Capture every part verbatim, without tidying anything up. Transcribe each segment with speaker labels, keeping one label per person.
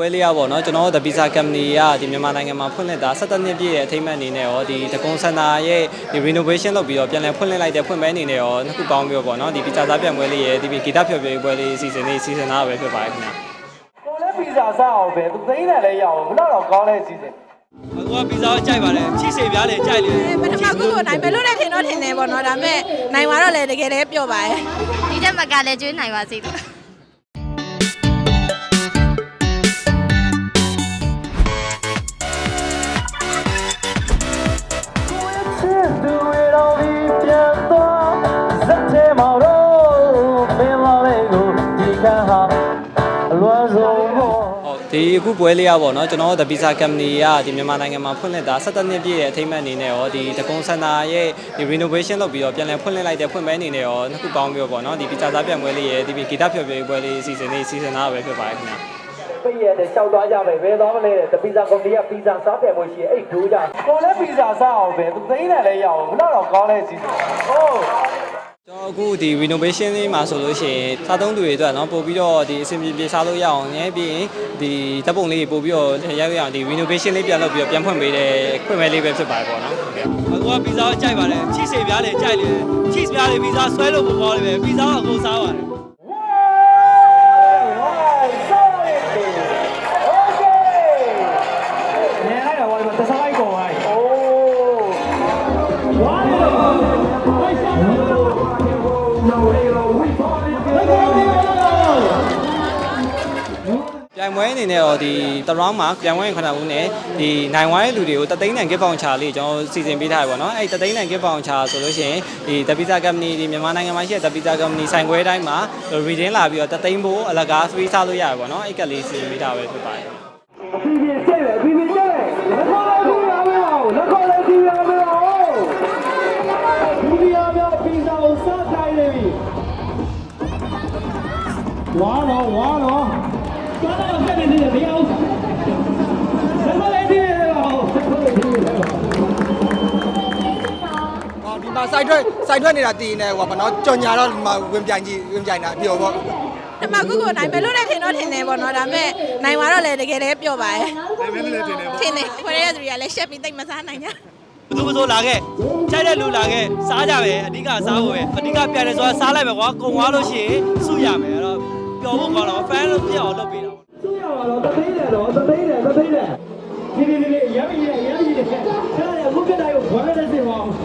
Speaker 1: ပွဲလေးရပေါ့နော်ကျွန်တော်တို့ The Pizza Company ကဒီမြန်မာနိုင်ငံမှာဖွင့်လှစ်တာ၁၇နှစ်ပြည့်ရဲ့အထိမ်းအမှတ်အနေနဲ့ရောဒီတကွန်စင်တာရဲ့ဒီ renovation လုပ်ပြီးတော့ပြန်လည်ဖွင့်လှစ်လိုက်တဲ့ဖွင့်ပွဲအနေနဲ့ရောနှစ်ခုပေါင်းပြီးတော့ပေါ့နော်ဒီ pizza စားပြန်ပွဲလေးရဲ့ဒီဂီတဖျော်ဖြေပွဲလေးစီစဉ်လေးစီစဉ်တာပဲဖြစ်ပါတယ်ခင်ဗျာ
Speaker 2: ကိုလည်း pizza စားအောင်ပဲသူသိန်းတယ်လည်းရအောင်ဘယ်တော့ကောင်းလဲစီစဉ်
Speaker 3: အခုက pizza ကိုကြိုက်ပါတယ်ချစ်စေပြားလေကြိုက်လေ
Speaker 4: ပထမခုကိုနိုင်မယ်လို့လည်းထင်တော့ထင်တယ်ပေါ့နော်ဒါပေမဲ့နိုင်သွားတော့လည်းတကယ်လည်းပျော့ပါရဲ့
Speaker 5: ဒီတက်မကလည်းကျွေးနိုင်ပါစေလို့
Speaker 1: ဒီအခုပွဲလေးရပေါ့နော်ကျွန်တော်တို့ The Pizza Company ကဒီမြန်မာနိုင်ငံမှာဖွင့်လှစ်တာ၁၇နှစ်ပြည့်ရဲ့အထိမ်းအမှတ်အနေနဲ့ရောဒီတကွန်စင်တာရဲ့ဒီ renovation လုပ်ပြီးတော့ပြန်လည်ဖွင့်လှစ်လိုက်တဲ့ဖွင့်ပွဲအနေနဲ့ရောနှစ်ခုပေါင်းပြီးတော့ပေါ့နော်ဒီ pizza စားပြန်ပွဲလေးရဲ့ဒီဂီတဖျော်ဖြေပွဲလေးစီစဉ်လေးစီစဉ်တာပဲဖြစ်ပါတယ်ခင်ဗျာ
Speaker 2: ပိတ်ရတဲ့ရှောက်သွားကြပဲဘယ်သွားမလဲတဲ့ The Pizza Company က pizza စားပြန်ပွဲရှိရဲ့အဲ့ဒိုးကြကိုလည်း pizza စားအောင်ပဲသူသိန်းတယ်လည်းရအောင်ဘယ်တော့ကောင်းလဲစီစဉ်ဟုတ်
Speaker 1: ကျွန်တော်အခုဒီ renovation လေးမှာဆိုလို့ရှိရင်စားသုံးသူတွေအတွက်เนาะပို့ပြီးတော့ဒီအဆင်ပြေပြေစားလို့ရအောင်ညပြီးရင်ဒီဓာတ်ပုံလေးပို့ပြီးတော့ရိုက်ရအောင်ဒီ renovation လေးပြန်လုပ်ပြီးတော့ပြန်ဖွင့်ပေးတဲ့ဖွင့်ပွဲလေးပဲဖြစ်ပါတယ်ပေါ့နော်
Speaker 3: အခုက pizza ကိုကြိုက်ပါတယ်ချစ်စေပြားလေကြိုက်လေ cheese ပြားလေ pizza ဆွဲလို့မပေါ်လေပဲ pizza ကိုအကုန်စားပါတယ်
Speaker 1: ပြိုင်ပွဲအနေနဲ့တော့ဒီတရောင်းမှာပြိုင်ပွဲခဏဦးနဲ့ဒီနိုင်ဝိုင်းလူတွေကိုတသိန်းတန် gift voucher လေးကျွန်တော်စီစဉ်ပေးထားရပါတော့အဲ့တသိန်းတန် gift voucher ဆိုလို့ရှိရင်ဒီ The Pizza Company ဒီမြန်မာနိုင်ငံမှာရှိတဲ့ The Pizza Company ဆိုင်ခွဲတိုင်းမှာ redeem လာပြီးတော့တသိန်းဖို့အလကား free စားလို့ရရပါတော့အဲ့ကလေးစီစဉ်ပေးထားပဲဖြစ်ပါတယ်
Speaker 2: အပြည့်ပြည့်ကျဲတယ်အပြည့်ပြည့်ကျဲတယ်လက်ခေါ်လိုက်ပြီးရမယ်အောင်လက်ခေါ်လိုက်ပြီးရမယ်အောင်ဒီဒီရမယ် pizza ကိုစားတိုင်းနေပြီဝါတော့ဝါတော့သွားတော့ဖက်နေတယ်မရဘူးလက်ခေါ်လိုက်ပြီးရအောင်လက်ခေါ်လိုက်ပြီးရအောင်
Speaker 6: အော်ဒီမှာ site ထွက် site ထွက်နေတာတည်နေဟိုဘာနော်ကြော်ညာတော့ဒီမှာဝင်ပြိုင်ကြီးဝင်ပြိုင်တာအပြောပေါ့
Speaker 4: ပထမခုကိုနိုင်မယ်လို့လည်းထင်တော့ထင်တယ်ပေါ့နော်ဒါပေမဲ့နိုင်သွားတော့လည်းတကယ်လည်းပျော့ပါရဲ့
Speaker 6: နိုင်မယ်လည်းထင်တယ်ပေါ့
Speaker 4: ထင်တယ်ခွဲရတဲ့သူတွေကလည်းရှက်ပြီးတိတ်မစားနိုင်ကြ
Speaker 3: ဘယ်သူမဆိုလာခဲ့ကြိုက်တဲ့လူလာခဲ့စားကြပဲအဓိကစားဖို့ပဲအဓိကပြန်တယ်ဆိုတာစားလိုက်ပဲကွာကုံသွားလို့ရှိရင်စုရမယ်အဲ့တော့ပျော်ဖို့ကောင်းတော့ fan လို့ပြအောင်လုပ်ပေးတာ
Speaker 2: စုရပါတော့တသိန်းတယ်တော့တသိန်းတယ်တသိန်းတယ်ဒီဒီဒီရမ်းကြီးတယ်ရမ်းကြီးတယ်ခါရအခုကတိုင်းကိုဘာလဲသိပါအောင်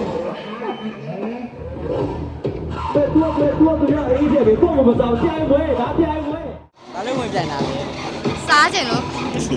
Speaker 2: ဘယ်တော့ဘယ်တော့သူရအေးတယ်ဘယ်တော့မစားပြိုင်ပွဲဒါပြိုင်ပွဲ
Speaker 1: ဒါလည်းဝင်ပြိုင်တာပဲ
Speaker 5: စားကြင်လို့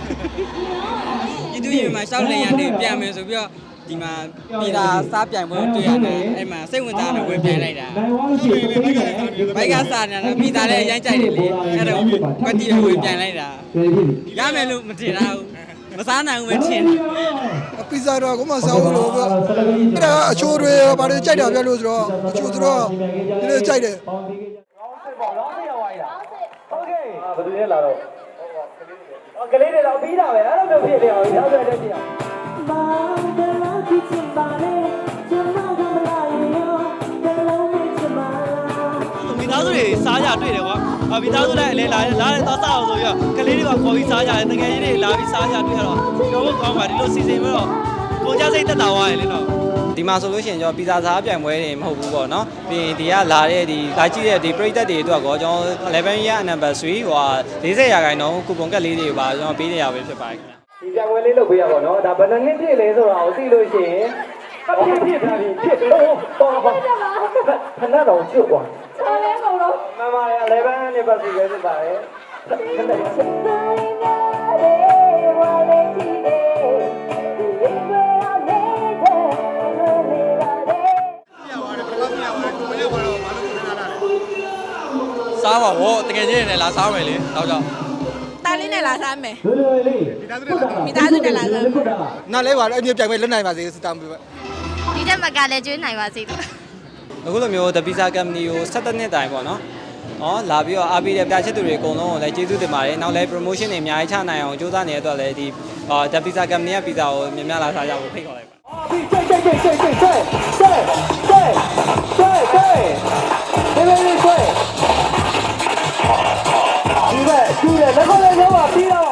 Speaker 1: ပြည်သူရေမှာရှောက်လင်ရတယ်ပြန်မယ်ဆိုပြီးတော့ဒီမှာပြည်သာစားပြိုင်ပွဲတွေ့ရတယ်အဲ့မှာစိတ်ဝင်စားတယ်ဝင်ပြိုင်လိုက်တာဘိုက်ကစားနေတာပြည်သာလည်းအရင်ကြိုက်တယ်လေအဲ့တော့ကွက်တီဝင်ပြိုင်လိုက်တာရမယ်လို့မထင်တော့မစားနိုင်ဘူးမထင်
Speaker 6: အပီဇာတော့ကိုမစားဘူးလို့ပေါ့အဲ့ဒါအချိုးတွေဘာတွေကြိုက်တာပြလို့ဆိုတော့အချိုးဆိုတော့ဒီလိုကြိုက်တယ်
Speaker 2: ကောင်းစစ်ပေါ့လောင်းစစ်ရောက်သွားတာโอเคဘယ်သူလဲလာတော့ကလေးတွေတော့ပြီးတာပဲအဲ့လိုမျိုးဖြစ်နေအောင်ရောက်တဲ့တဲ့ပြအောင်ဘာဒလာကြည့်ချင်ပါလေကျမကမလာရောဒလုံးနဲ့ချင်ပါလား
Speaker 3: မိသားစုတွေစားကြတွေ့တယ်ကွာမိသားစုလည်းအလဲလာလာတဲ့သွားစားအောင်ဆိုပြီးတော့ကလေးတွေကခေါ်ပြီးစားကြတယ်တကယ်ကြီးတွေလာပြီးစားကြတွေ့ရတော့တော့ကောင်းပါဒီလိုစီစဉ်ပြီးတော့ကိုကြစိတ်တက်တာသွားရလေတော့ဒီမှာဆိုလို့ရှိရင်ကျွန်တော်ပီဇာစားပြိုင်ပွဲတွေမဟုတ်ဘူးပေါ့နော်ပြီးရင်ဒီကလာတဲ့ဒီလာကြည့်တဲ့ဒီပရိသတ်တွေအတွက်ကောကျွန်တော်eleven year anniversary ဟိုဟာ၄၀ရာခိုင်နှုန်းကူပွန်ကတ်လေးတွေပါကျွန်တော်ပေးနေရပဲဖြစ်ပါတယ်ခင်ဗျ
Speaker 2: ဒီပြိုင်ပွဲလေးလုပ်ပေးရပါတော့ဒါဘယ်နှနှစ်ပြည့်လဲဆိုတာကိုသိလို့ရှိရင်အပြည့်ပြည့်ထားပြီးဖြစ်တော့တော့ပါခဏတော့ကျွတ်သွား
Speaker 4: ချားလဲကုန်လို့
Speaker 2: မမရဲ့eleven anniversary ပဲဖြစ်ပါတယ်
Speaker 3: စားပါဘောတကယ်ကြီးနေလားစားမယ်လေတော့ကြောင့်
Speaker 4: တားလေးနဲ့လာစားမယ်
Speaker 2: လွယ်လွယ်လေး
Speaker 4: မိသားစုနဲ့လာစား
Speaker 6: နားလဲပါတော့အမြဲပြိုင်ပွဲလွတ်နိုင်ပါစေစတောင်းပေးပါ
Speaker 5: ဒီတက်မကလည်းကျွေးနိုင်ပါစေလို့
Speaker 1: အခုလိုမျိုး The Pizza Company ကို၁၇နှစ်တိုင်ပေါ့နော်။အော်လာပြီးတော့အားပေးတဲ့ပြချစ်သူတွေအကုန်လုံးကိုလည်းကျေးဇူးတင်ပါတယ်။နောက်လည်း promotion တွေအများကြီးချနိုင်အောင်ကြိုးစားနေတဲ့အတွက်လည်းဒီ The Pizza Company က pizza ကိုများများလာစားကြဖို့ဖိတ်ခေါ်လိုက်ပါ
Speaker 2: ။အော်ပြီးကျဲကျဲကျဲကျဲကျဲကျဲကျဲကျဲကျဲဒီလိုလေးကျဲဒီဘက်ဒီဘက်လက်ခေါ်လေးရောပါပြီးတော့